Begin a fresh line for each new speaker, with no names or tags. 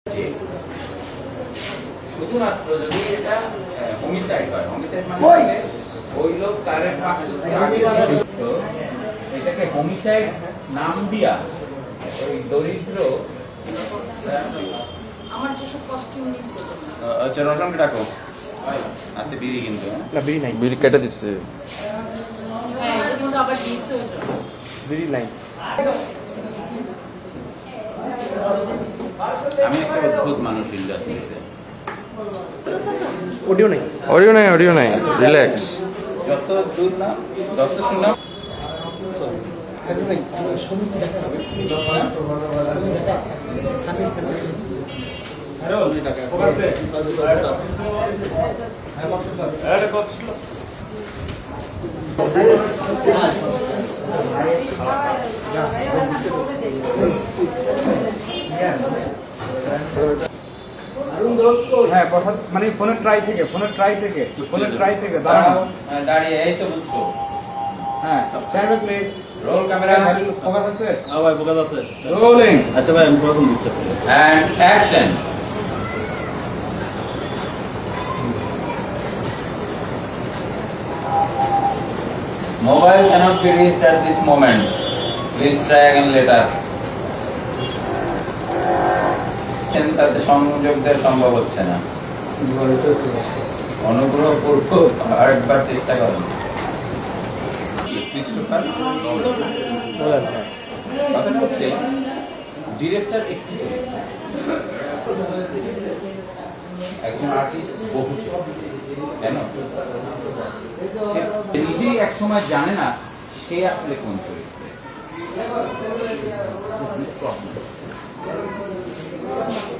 যে শুধুমাত্র যদি এটা হোমিসাইড হয়, হোমিসাইড মানে হচ্ছে ওই লোক তার আগে তো এটাকে হোমিসাইড নাম দিয়া ওই দরিদ্র
আমার যেসব কস্টিউম নিছে
আচ্ছা রোশনকে ডাকো হাতে বিড়ি কিন্তু
না বিড়ি নাই,
বিড়ি কেটে দিচ্ছে।
হ্যাঁ এটা কিন্তু আবার ডিস হয়ে যাবে।
বিড়ি নাই।
আমি একটা অদ্ভুত মানুষ ইল্লাস
অডিও নাই,
অডিও নাই, রিল্যাক্স।
যত দূর না যত শুনলাম
হ্যাঁ মানে ফোনের ট্রাই থেকে দাঁড়াও
দাঁড়িয়ে এই তো বুঝছো।
হ্যাঁ stand please
roll camera
focus আছে
হ্যাঁ ভাই ফোকাস আছে।
রোলিং
আচ্ছা ভাই আমি প্রথম দিচ্ছি।
and action. Mobile cannot be reached at this moment. Please try again later. তাতে সংযোগ দেওয়া সম্ভব হচ্ছে না, অনুগ্রহ পূর্বক আরেকবার চেষ্টা করুন। Christopher Nolan. কথাটা হচ্ছে ডিরেক্টর একটি চরিত্র, একজন আর্টিস্ট বহু চরিত্র, কেন সে নিজেই এক সময় জানে না সে আসলে কোন চরিত্রে।